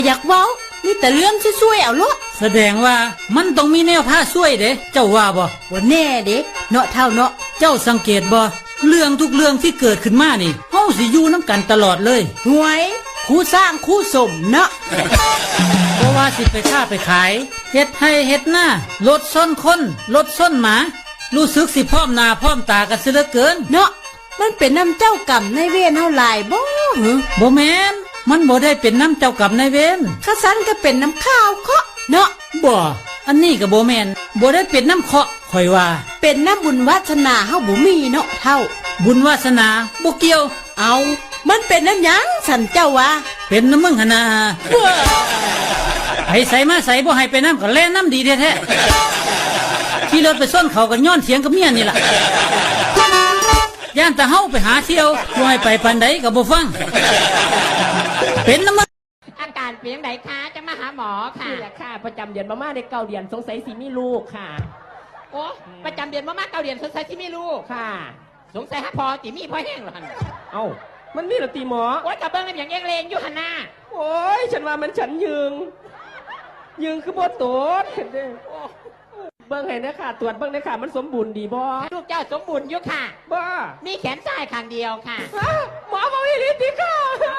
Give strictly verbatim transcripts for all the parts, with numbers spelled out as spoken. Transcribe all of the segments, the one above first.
อยากเว้านี่แต่เรื่องช่วยๆเอาละแสดงว่ามันต้องมีแนวผ้าช่วยเด้เจ้าว่าบ่ว่าแน่เด้เนาะเท่าเนาะเจ้าสังเกตบ่เรื่องทุกเรื่องที่เกิดขึ้นมานี่เฮาสิอยู่น้ำกันตลอดเลยหวยคู่สร้างคู่สมเนาะเพราะว่าสิไปค้าไปขายเฮ็ดให้เฮ็ดหน้ารถส้นคนรถส้นหมารู้สึกสิพร้อมหน้าพร้อมตากันซะเหลือเกินเนาะมันเป็นน้ำเจ้ากรรมในเวรเฮาหลายบ่หรือบ่แม่นมันบ่ได้เป็นน้ำเจ้ากรรมนายเวรข้าสันก็เป็นน้ำข้าวเคาะเนาะบ่อันนี้ก็บ่แม่นบ่ได้เป็นน้ำเคาะข่อยว่าเป็นน้ำบุญวาสนาเฮาบ่มีเนาะเท่าบุญวาสนาบ่เกี่ยวเอามันเป็นน้ำหยังสันเจ้าว่าเป็นน้ำมึงหนาให้ใส่มาใส่บ่ให้ไปน้ำก็แล่น้ำดีแท้ๆขี่รถไปส้นเขากันย้อนเสียงกับเมียนี่ล่ะย่านตะเฮาไปหาเที่ยวบ่ให้ไปปานใดก็บ่ฟังเป็นน้ำมึงอาการเป็นยังไงคะจะมาหาหมอค่ะนี่แหละค่ะประจำเดือนมาม่าได้เก้าเดือนสงสัยสิมีลูกค่ะโอ้ประจำเดือนมาม่าเก้าเดือนสงสัยสิมีลูกค่ะสงสัยฮะพอจิมีพ่อแห้งหรอฮันเอ้ามันมีหรอตีหมอโอ้ยกระเบื้องเป็นอย่างเองเลงอยู่ฮันน่าโอ้ยฉันว่ามันฉันยืงยืงคือบ่ตรวจเห็นดิเบิ้งให้นะค่ะตรวจเบิ้งนะค่ะมันสมบูรณ์ดีบ่ลูกเจ้าสมบูรณ์อยู่ค่ะบ้ามีแขนซ้ายข้างเดียวค่ะหมอบอกอย่างนี้ดิค่ะ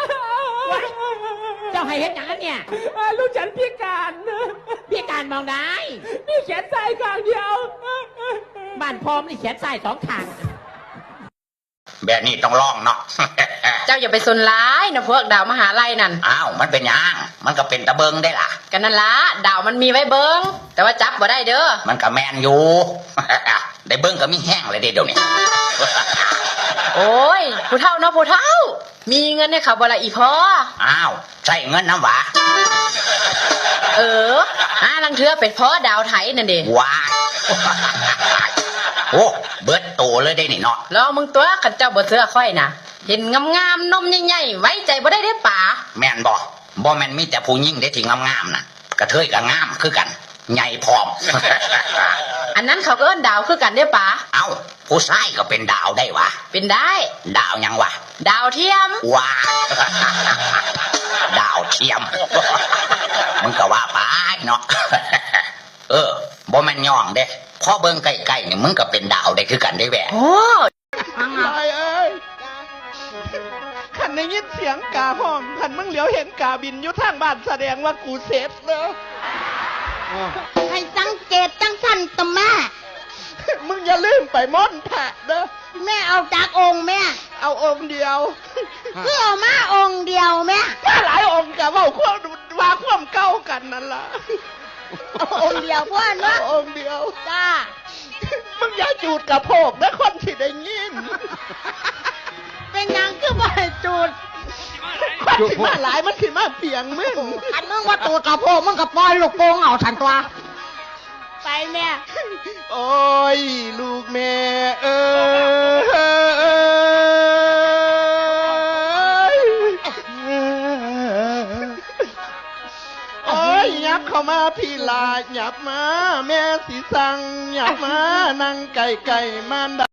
เจ้าให้เห็นอย่างนั้นเนี่ยลูกฉันพิการพิการมองได้มีแขนซ้ายข้างเดียวบ้านพร้อมนี่แขนซ้ายสองข้างแบบนี้ต้องลองเนาะเจ้าอย่าไปสนร้ายนะพวกดาวมหาลัยนั่นอ้าวมันเป็นยังมันก็เป็นตะเบิงได้ล่ะกันนั่นละดาวมันมีไว้เบิงแต่ว่าจับบ่ได้เด้อมันก็แมนอยู่ ได้เบิงก็มีแห้งเลยเดี๋ยวนี้โอ้ยผู้เฒ่าเนาะผู้เฒ่ามีเงินเนี่ยค่ะบ่ละอีพ่ออ้าวใช่เงินน้ำหวาเออหาลังเทือเป็ดพ่อดาวไทยนั่นเด้ว้าโอ้เบิดโตเลยได้นี่เนาะรอมึงตัวขันเจ้าบ่เสื้อค่อยนะเห็นงามๆนมใหญ่ๆไว้ใจบ่ได้เด้ป่าแม่นบ่บ่แม่นมีแต่ผู้หญิงได้ที่งามๆน่ะกระเทยก็งามคือกันใหญ่พร้อมอันนั้นเขาก็เอิ้นดาวคือกันเด้ป่าเอ้าผู้ชายก็เป็นดาวได้วะเป็นได้ดาวยังวะดาวเทียมว้าดาวเทียมมึงก็ว่าไปเนาะเออบ่แม่นย่องเด้พอเบิ่งใกล้ๆนี่มึงก็เป็นดาวได้คือกันได้แหวะโอ้ยเอ้ยขันในยินเสียงกาห้องขันมึงเหลียวเห็นกาบินอยู่ทางบ้านแสดงว่ากูเสร็จเนอะให้สังเกตจังสันตะแม่มึงอย่าลืมไปม่อนแผะเนอะแม่เอาจากองค์แม่เอาองค์เดียวเพื่อเอามาองค์เดียวแม่ถ้าหลายองค์กับว่าควบว่าควบเก้ากันนั่นล่ะองค์เดียวพ่อเนาะองค์เดียวจ้ามึงอย่าจูดกระโพกนะคนที่ได้ยินเป็นยังคือบ่ให้จูดคนที่มาหลายมันคือมาเปียงมึงอันมึงว่าตัวกระโพกมึงกับปล่อยลูกโป่งเอาฉันตัวไปแม่โอ้ยลูกแม่เอ้ยโอ้ยยับเข้ามาพี่ลาหยับมาแม่สีสังหยับมานั่งไก่ไก่มัน